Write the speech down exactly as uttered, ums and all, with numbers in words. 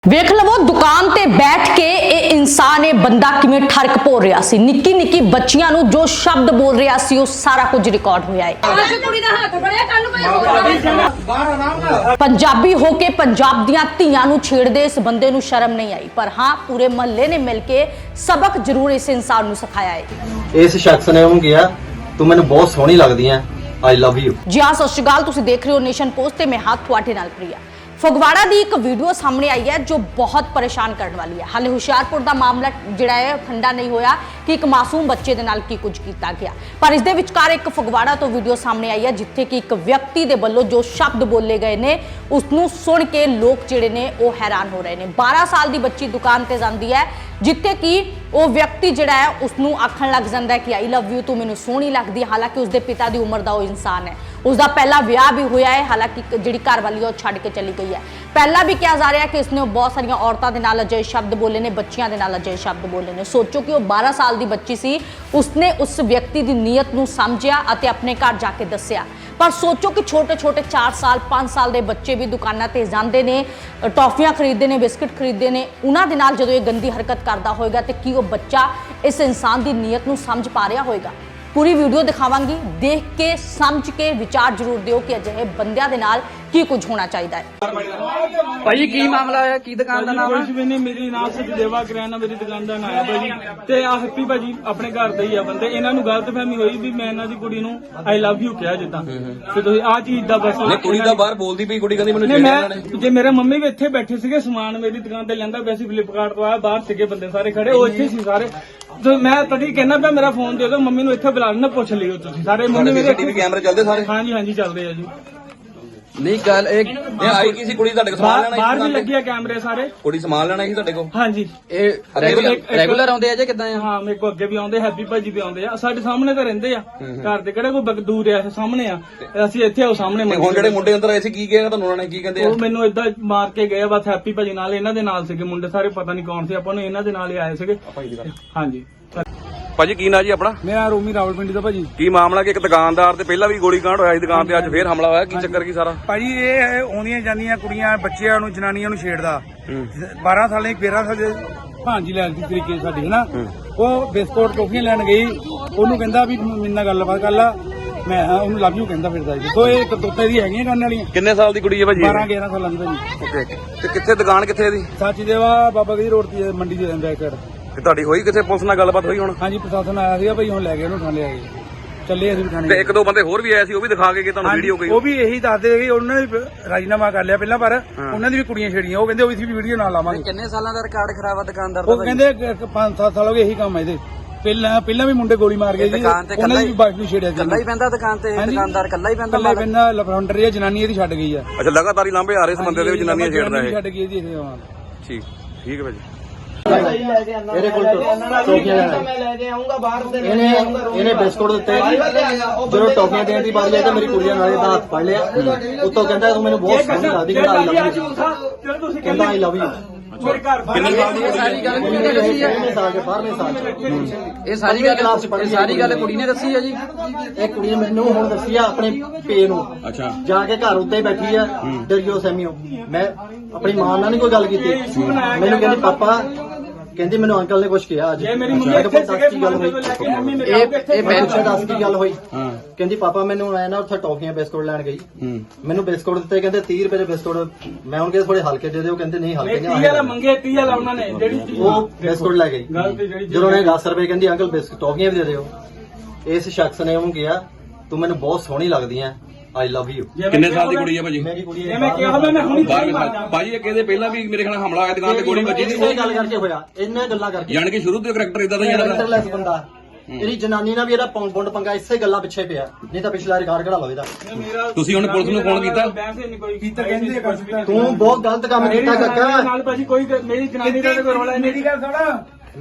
ਵੇਖ ਲਵੋ ਦੁਕਾਨ ਤੇ ਬੈਠ ਕੇ ਇਹ ਇਨਸਾਨ ਇਹ ਬੰਦਾ ਕਿਵੇਂ ਠਰਕ ਭੋਰ ਰਿਹਾ ਸੀ। ਨਿੱਕੀ ਨਿੱਕੀ ਬੱਚੀਆਂ ਨੂੰ ਜੋ ਸ਼ਬਦ ਬੋਲ ਰਿਹਾ ਸੀ ਉਹ ਸਾਰਾ ਕੁਝ ਰਿਕਾਰਡ ਹੋਇਆ ਹੈ। ਪੰਜਾਬੀ ਹੋ ਕੇ ਪੰਜਾਬ ਦੀਆਂ ਧੀਆਂ ਨੂੰ ਛੇੜਦੇ ਇਸ ਬੰਦੇ ਨੂੰ ਸ਼ਰਮ ਨਹੀਂ ਆਈ, ਪਰ ਹਾਂ ਪੂਰੇ ਮਹੱਲੇ ਨੇ ਮਿਲ ਕੇ ਸਬਕ ਜ਼ਰੂਰ ਇਸ ਇਨਸਾਨ ਨੂੰ ਸਿਖਾਇਆ ਹੈ। ਇਸ ਸ਼ਖਸ ਨੇ ਉਹਨੂੰ ਕਿਹਾ ਤੂੰ ਮੈਨੂੰ ਬਹੁਤ ਸੋਹਣੀ ਲੱਗਦੀ ਹੈ, ਆਈ ਲਵ ਯੂ। ਜੀ ਹਾਂ, ਸਤਿ ਸ਼੍ਰੀ ਅਕਾਲ, ਤੁਸੀਂ ਦੇਖ ਰਹੇ ਹੋ ਨੇਸ਼ਨ ਪੋਸਟ ਤੇ ਮੈਂ ਹਾਂ ਤੁਹਾਡੇ ਨਾਲ ਪ੍ਰਿਆ। ਫਗਵਾੜਾ ਦੀ ਇੱਕ ਵੀਡੀਓ ਸਾਹਮਣੇ ਆਈ ਹੈ ਜੋ ਬਹੁਤ ਪਰੇਸ਼ਾਨ ਕਰਨ ਵਾਲੀ ਹੈ। ਹਾਲੇ ਹੁਸ਼ਿਆਰਪੁਰ ਦਾ ਮਾਮਲਾ ਜਿਹੜਾ ਹੈ ਠੰਡਾ ਨਹੀਂ ਹੋਇਆ ਕਿ ਇੱਕ ਮਾਸੂਮ ਬੱਚੇ ਦੇ ਨਾਲ ਕੀ ਕੁਝ ਕੀਤਾ ਗਿਆ, ਪਰ ਇਸ ਦੇ ਵਿਚਕਾਰ ਇੱਕ ਫਗਵਾੜਾ ਤੋਂ ਵੀਡੀਓ ਸਾਹਮਣੇ ਆਈ ਹੈ ਜਿੱਥੇ ਕਿ ਇੱਕ ਵਿਅਕਤੀ ਦੇ ਵੱਲੋਂ ਜੋ ਸ਼ਬਦ ਬੋਲੇ ਗਏ ਨੇ ਉਸ ਨੂੰ ਸੁਣ ਕੇ ਲੋਕ ਜਿਹੜੇ ਨੇ ਉਹ ਹੈਰਾਨ ਹੋ ਰਹੇ ਨੇ। ਬਾਰਾਂ ਸਾਲ ਦੀ ਬੱਚੀ ਦੁਕਾਨ ਤੇ ਜਾਂਦੀ ਹੈ ਜਿੱਥੇ ਕਿ ਉਹ ਵਿਅਕਤੀ ਜਿਹੜਾ ਹੈ ਉਸ ਨੂੰ ਆਖਣ ਲੱਗ ਜਾਂਦਾ ਹੈ ਕਿ ਆਈ ਲਵ ਯੂ, ਤੂੰ ਮੈਨੂੰ ਸੋਹਣੀ ਲੱਗਦੀ। ਹਾਲਾਂਕਿ ਉਸਦੇ ਪਿਤਾ ਦੀ ਉਮਰ ਦਾ ਉਹ ਇਨਸਾਨ ਹੈ, ਉਸਦਾ ਪਹਿਲਾ ਵਿਆਹ ਵੀ ਹੋਇਆ ਹੈ। ਹਾਲਾਂਕਿ ਜਿਹੜੀ ਘਰ ਵਾਲੀ ਉਹ ਛੱਡ ਕੇ ਚਲੀ ਗਈ ਹੈ। ਪਹਿਲਾਂ ਵੀ ਕਿਹਾ ਜਾ ਰਿਹਾ ਕਿ ਇਸਨੇ ਬਹੁਤ ਸਾਰੀਆਂ ਔਰਤਾਂ ਦੇ ਨਾਲ ਅਜਿਹੇ ਸ਼ਬਦ ਬੋਲੇ ਨੇ, ਬੱਚੀਆਂ ਦੇ ਨਾਲ ਅਜਿਹੇ ਸ਼ਬਦ ਬੋਲੇ ਨੇ। ਸੋਚੋ ਕਿ ਉਹ ਬਾਰਾਂ ਸਾਲ ਦੀ ਬੱਚੀ ਸੀ, ਉਸਨੇ ਉਸ ਵਿਅਕਤੀ ਦੀ ਨੀਅਤ ਨੂੰ ਸਮਝਿਆ ਅਤੇ ਆਪਣੇ ਘਰ ਜਾ ਕੇ ਦੱਸਿਆ। ਪਰ ਸੋਚੋ ਕਿ ਛੋਟੇ ਛੋਟੇ ਚਾਰ ਸਾਲ ਪੰਜ ਸਾਲ ਦੇ ਬੱਚੇ ਵੀ ਦੁਕਾਨਾਂ ਤੇ ਜਾਂਦੇ ਨੇ, ਟੌਫੀਆਂ ਖਰੀਦਦੇ ਨੇ, ਬਿਸਕੁਟ ਖਰੀਦਦੇ ਨੇ। ਉਹਨਾਂ ਦੇ ਨਾਲ ਜਦੋਂ ਇਹ ਗੰਦੀ ਹਰਕਤ ਕਰਦਾ ਹੋਏਗਾ ਤੇ ਕੀ ਉਹ ਬੱਚਾ ਇਸ ਇਨਸਾਨ ਦੀ ਨੀਅਤ ਨੂੰ ਸਮਝ ਪਾ ਰਿਹਾ ਹੋਏਗਾ? पूरी वीडियो दिखावांगी, देख के समझ के विचार जरूर दिओ कि अजिहे बंदियां दे नाल की कुछ होना चाहिए है। भाई की मामला है, की दुकान का नाम है? कुछ भी नहीं, मेरी नाम सचदेवा किराना मेरी दुकान का नाम है भाजी। ते आ हैप्पी भाजी अपने घर दे ही आ बंदे। इन्हां नूं गलतफहमी होई भी मैं इन्हां दी कुड़ी नूं आई लव यू कहा जिद्दां ते तुसीं आ चीज दा बस नहीं कुड़ी दा बाहर बोलदी पई, कुड़ी कहंदी मैनूं नहीं छेड़िया इन्हां मैं जे मेरे मम्मी भी इत्थे बैठे सीगे, समान मेरी दुकान ते लैंदा वैसे फ्लिपकार्ट तो आया, बाहर सीगे बंदे सारे खड़े, ओ इत्थे सी सारे। तो मैं तभी कहना पिया मेरा फोन दे दो, मम्मी नूं इत्थे बुला लेना, पुछ लियो तुसीं सारे। मम्मी मेरे टीवी कैमरे चलदे सारे? हां जी हां जी चलदे आ जी। नहीं गल एक ये आई की सी कुड़ी ਤੁਹਾਡੇ ਕੋਲ ਸਮਾਨ ਲੈਣਾ? ਬਾਹਰ ਵੀ ਲੱਗੇ ਆ ਕੈਮਰੇ ਸਾਰੇ। ਕੁੜੀ ਸਮਾਨ ਲੈਣਾ ਸੀ ਤੁਹਾਡੇ ਕੋਲ? ਹਾਂ ਜੀ। ਇਹ ਰੈਗੂਲਰ ਰੈਗੂਲਰ ਆਉਂਦੇ ਆ ਜੇ ਕਿਦਾਂ ਆ? ਹਾਂ ਮੇਰੇ ਕੋਲ ਅੱਗੇ ਵੀ ਆਉਂਦੇ, ਹੈਪੀ ਭਾਜੀ ਵੀ ਆਉਂਦੇ ਆ, ਸਾਡੇ ਸਾਹਮਣੇ ਤਾਂ ਰਹਿੰਦੇ ਆ, ਘਰ ਦੇ ਕਿਹੜੇ ਕੋਈ ਦੂਰ ਆ, ਸਾਹਮਣੇ ਆ, ਅਸੀਂ ਇੱਥੇ ਆਓ ਸਾਹਮਣੇ। ਹੁਣ ਜਿਹੜੇ ਮੁੰਡੇ ਅੰਦਰ ਆਏ ਸੀ ਕੀ ਕਿਹਾ ਤੁਹਾਨੂੰ ਉਹਨਾਂ ਨੇ, ਕੀ ਕਹਿੰਦੇ ਆ? ਉਹ ਮੈਨੂੰ ਏਦਾਂ ਮਾਰ ਕੇ ਗਏ ਬਸ। ਹੈਪੀ ਭਾਜੀ ਨਾਲ ਇਹਨਾਂ ਦੇ ਨਾਲ ਸੀਗੇ ਮੁੰਡੇ ਸਾਰੇ, ਪਤਾ ਨਹੀਂ ਕੌਣ ਸੀ, ਆਪਾਂ ਨੂੰ ਇਹਨਾਂ ਦੇ ਨਾਲ ਹੀ ਆਏ ਸੀਗੇ। ਹਾਂਜੀ ਭਾਜੀ ਕੀ ਨਾਂ ਜੀ ਆਪਣਾ? ਮੇਰਾ ਰੋਮੀ ਰਾਵਲਪਿੰਡੀ ਦਾ ਭਾਜੀ। ਕੀ ਮਾਮਲਾ ਕਿ ਇੱਕ ਦੁਕਾਨਦਾਰ ਤੇ ਪਹਿਲਾਂ ਵੀ ਗੋਲੀ ਕਾਂਡ ਹੋਇਆ ਸੀ ਦੁਕਾਨ ਤੇ, ਅੱਜ ਫੇਰ ਹਮਲਾ ਹੋਇਆ, ਕੀ ਚੱਕਰ ਕੀ ਸਾਰਾ? ਭਾਜੀ ਇਹ ਆਉਂਦੀਆਂ ਜਾਂਦੀਆਂ ਕੁੜੀਆਂ ਬੱਚਿਆਂ ਨੂੰ ਜਨਾਨੀਆਂ ਨੂੰ ਛੇੜਦਾ। ਬਾਰਾਂ ਸਾਲ ਦੀ ਤੇਰਾਂ ਸਾਲ ਦੇ ਭਾਂਜੀ ਲੈਣ ਦੀ ਤਰੀਕੇ ਸਾਡੀ ਹਨਾ, ਉਹ ਬਿਸਕੁਟ ਟੋਫੀਆਂ ਲੈਣ ਗਈ, ਉਹਨੂੰ ਕਹਿੰਦਾ ਵੀ ਮੇਰੇ ਨਾਲ ਗੱਲਬਾਤ ਕਰ ਲਾ, ਮੈਂ ਉਹਨੂੰ ਲਵ ਯੂ ਕਹਿੰਦਾ ਫਿਰਦਾ ਜੀ। ਸੋ ਇਹ ਕਰਤੂਤਾਂ ਦੀ ਹੈਗੀਆਂ ਕਰਨ ਵਾਲੀਆਂ। ਕਿੰਨੇ ਸਾਲ ਦੀ ਕੁੜੀ ਹੈ ਭਾਜੀ? ਬਾਰਾਂ ਗਿਆਰਾਂ ਸਾਲਾਂ ਦੀ ਭਾਜੀ। ਓਕੇ, ਤੇ ਕਿੱਥੇ ਦੁਕਾਨ ਕਿੱਥੇ ਇਹਦੀ? ਸਾਚੀ ਦੇਵਾ ਬਾਬਾ ਗਦੀ ਰੋਡ ਤੇ ਮੰਡੀ ਦੇ ਬੈਕ ਸਾਈਡ। ਤੇ ਤੁਹਾਡੀ ਹੋਈ ਕਿੱਥੇ ਪੁਲਿਸ ਨਾਲ ਗੱਲਬਾਤ ਹੋਈ ਹੁਣ? ਹਾਂਜੀ ਪ੍ਰਸ਼ਾਸਨ ਆਇਆ ਸੀਗਾ ਭਾਈ, ਹੁਣ ਲੈ ਗਏ ਉਹਨੂੰ ਥਾਣੇ ਆ ਗਏ, ਚੱਲੇ ਅਸੀਂ ਥਾਣੇ। ਤੇ ਇੱਕ ਦੋ ਬੰਦੇ ਹੋਰ ਵੀ ਆਏ ਸੀ, ਉਹ ਵੀ ਦਿਖਾ ਕੇ ਗਏ ਤੁਹਾਨੂੰ ਵੀਡੀਓ ਕੋਈ? ਉਹ ਵੀ ਇਹੀ ਦੱਸਦੇ ਕਿ ਉਹਨਾਂ ਨੇ ਵੀ ਰਾਜੀਨਾਮਾ ਕਰ ਲਿਆ ਪਹਿਲਾਂ, ਪਰ ਉਹਨਾਂ ਦੀ ਵੀ ਕੁੜੀਆਂ ਛੇੜੀਆਂ। ਉਹ ਕਹਿੰਦੇ ਉਹ ਵੀ ਵੀਡੀਓ ਨਾਲ ਲਾਵਾਂਗੇ। ਕਿੰਨੇ ਸਾਲਾਂ ਦਾ ਰਿਕਾਰਡ ਖਰਾਬ ਆ ਦੁਕਾਨਦਾਰ ਦਾ? ਉਹ ਕਹਿੰਦੇ ਪੰਜ ਸੱਤ ਸਾਲ ਹੋ ਗਏ ਇਹੀ ਕੰਮ ਹੈ ਇਹਦੇ। ਪਹਿਲਾਂ ਪਹਿਲਾਂ ਵੀ ਮੁੰਡੇ ਗੋਲੀ ਮਾਰ ਗਏ ਜੀ, ਉਹਨਾਂ ਦੀ ਵੀ ਬਾਈਕ ਨੂੰ ਛੇੜਿਆ ਸੀ। ਕੱਲਾ ਹੀ ਪੈਂਦਾ ਦੁਕਾਨ ਤੇ ਦੁਕਾਨਦਾਰ? ਕੱਲਾ ਹੀ ਪੈਂਦਾ? ਕੱਲਾ ਹੀ ਪੈਂਦਾ, ਲਫਾਉਂਡਰ ਇਹ ਜਨਾਨੀ ਇਹਦੀ ਛੱਡ ਗਈ ਆ। ਅੱਛਾ, ਲਗਾਤਾਰ ਹੀ ਲਾਂਭੇ ਆ ਰਹੇ ਇਸ ਬੰਦੇ ਦੇ ਵਿੱਚ ਜਨਾਨੀਆਂ ਛੇੜਦਾ ਇਹ? ਛੱਡ ਗਈ ਇਹਦੀ ਇਹ ਨਾਲ। ਠੀਕ ਠੀਕ ਹੈ ਭਾਜੀ। ਇਹਦੇ ਕੋਲ ਟੋਫੀਆਂ ਲੈਣਾ, ਮੈਂ ਲੈ ਕੇ ਆਉਂਗਾ ਬਾਹਰ ਦੇ। ਇਹਨੇ ਇਹਨੇ ਬਿਸਕੁਟ ਦਿੱਤੇ, ਜਦੋਂ ਟੋਫੀਆਂ ਦੇਣ ਦੀ ਵਾਰੀ ਆਈ ਤਾਂ ਮੇਰੀ ਕੁੜੀਆਂ ਨਾਲ ਇਹਦਾ ਹੱਥ ਫੜ ਲਿਆ, ਉੱਤੋਂ ਕਹਿੰਦਾ ਤੂੰ ਮੈਨੂੰ ਬਹੁਤ ਸੋਹਣੀ ਲੱਗਦੀ, ਕਹਿੰਦਾ ਆਈ ਲਵ ਯੂ, ਕਹਿੰਦਾ ਆਈ ਲਵ ਯੂ। ਮੇਰੇ ਘਰ ਇਹ ਸਾਰੀ ਗੱਲ ਕੁੜੀ ਨੇ ਦੱਸੀ ਆ? ਸਾਲ ਦੇ ਬਾਰਵੇਂ ਸਾਲ ਚ ਇਹ ਸਾਰੀ ਗੱਲ ਇਹ ਸਾਰੀ ਗੱਲ ਕੁੜੀ ਨੇ ਦੱਸੀ ਆ ਜੀ? ਇਹ ਕੁੜੀ ਨੇ ਮੈਨੂੰ ਹੁਣ ਦੱਸੀ ਆ ਆਪਣੇ ਪੇ ਨੂੰ। ਅੱਛਾ, ਜਾ ਕੇ ਘਰ ਉੱਤੇ ਬੈਠੀ ਆ ਡਰਿਓ ਸੈਮੀਓ। ਮੈਂ ਆਪਣੀ ਮਾਂ ਨਾਲ ਨਹੀਂ ਕੋਈ ਗੱਲ ਕੀਤੀ, ਮੈਨੂੰ ਕਹਿੰਦੀ ਪਾਪਾ, ਕਹਿੰਦੀ ਮੈਨੂੰ ਅੰਕਲ ਨੇ ਕੁਝ ਕਿਹਾ ਅੱਜ। ਮੇਰੀ ਮੰਮੀ ਮੈਂ ਕਿਹਾ ਇੱਥੇ ਦੱਸ ਕੀ ਗੱਲ ਹੋਈ? ਇਹ ਇਹ ਮੈਂ ਪੁੱਛਿਆ ਦੱਸ ਕੀ ਗੱਲ ਹੋਈ? ਕਹਿੰਦੀ ਪਾਪਾ ਮੈਨੂੰ ਆਇਆ ਨਾ ਉੱਥੇ ਟੌਫੀਆਂ ਬਿਸਕੁਟ ਲੈਣ ਗਈ, ਮੈਨੂੰ ਬਿਸਕੁਟ ਦਿੱਤੇ, ਕਹਿੰਦੇ ਤੀਹ ਰੁਪਏ ਦੇ ਬਿਸਕੁਟ। ਮੈਂ ਉਹਨਾਂ ਕਿਹਾ ਥੋੜੇ ਹਲਕੇ ਦੇ ਦਿਓ, ਕਹਿੰਦੇ ਨਹੀਂ ਹਲਕੇ ਤੀਹ ਵਾਲਾ ਮੰਗੇ, ਤੀਹ ਵਾਲਾ ਉਹਨਾਂ ਨੇ ਜਿਹੜੀ ਚੀਜ਼ ਉਹ ਬਿਸਕੁਟ ਲੈ ਗਈ। ਜਦੋਂ ਉਹਨੇ ਦਸ ਰੁਪਏ ਕਹਿੰਦੀ ਅੰਕਲ ਬਿਸਕੁਟ ਟੌਫੀਆਂ ਵੀ ਦੇ ਦਿਓ। ਇਸ ਸ਼ਖਸ ਨੇ ਉਹਨੂੰ ਕਿਹਾ ਤੂੰ ਮੈਨੂੰ ਬਹੁਤ ਸੋਹਣੀ ਲੱਗਦੀ ਹੈ, ਆਈ ਲਵ ਯੂ। ਕਿੰਨੇ ਸਾਲ ਦੀ ਕੁੜੀ ਹੈ ਭਾਜੀ? ਮੇਰੀ ਕੁੜੀ ਮੈਂ ਕਿਹਾ ਮੈਂ ਹੁਣੀ ਬਾਰਵੇਂ ਸਾਲ। ਭਾਜੀ ਇਹ ਕਹਿੰਦੇ ਪਹਿਲਾਂ ਵੀ ਮੇਰੇ ਖਿਆਲ ਹਮਲਾ ਹੋਇਆ ਦੁਕਾਨ ਤੇ, ਗੋਲੀ ਵੱਜੀ ਸੀ। ਇਹ ਗੱਲ ਕਰਕੇ ਹੋਇਆ, ਇਹਨਾਂ ਗੱਲਾਂ ਕਰਕੇ। ਯਾਨੀ ਕਿ ਸ਼ੁਰੂ ਤੋਂ ਕਰੈਕਟਰ ਇਦਾਂ ਦਾ ਹੀ ਇਹਨਾਂ ਦਾ? ਲੈਸ ਬੰਦਾ, ਇਹਦੀ ਜਨਾਨੀ ਨਾਲ ਵੀ ਇਹਦਾ ਪੁੰਡ ਪੰਗਾ ਇਸੇ ਗੱਲਾਂ ਪਿੱਛੇ ਪਿਆ, ਨਹੀਂ ਤਾਂ ਪਿਛਲਾ ਰਿਕਾਰਡ ਕਢਾ ਲਓ ਇਹਦਾ। ਤੁਸੀਂ ਹੁਣ ਪੁਲਿਸ ਨੂੰ ਫੋਨ ਕੀਤਾ? ਕੀਤਾ, ਕਹਿੰਦੇ ਤੂੰ ਬਹੁਤ ਗਲਤ ਕੰਮ ਕੀਤਾ ਕਾਕਾ। ਨਾਲ ਭਾਜੀ ਕੋਈ ਮੇਰੀ ਜਨਾਨੀ ਦਾ ਕੋਈ ਰੋਲਾ ਨਹੀਂ। ਮੇਰੀ ਗੱਲ ਸੁਣ,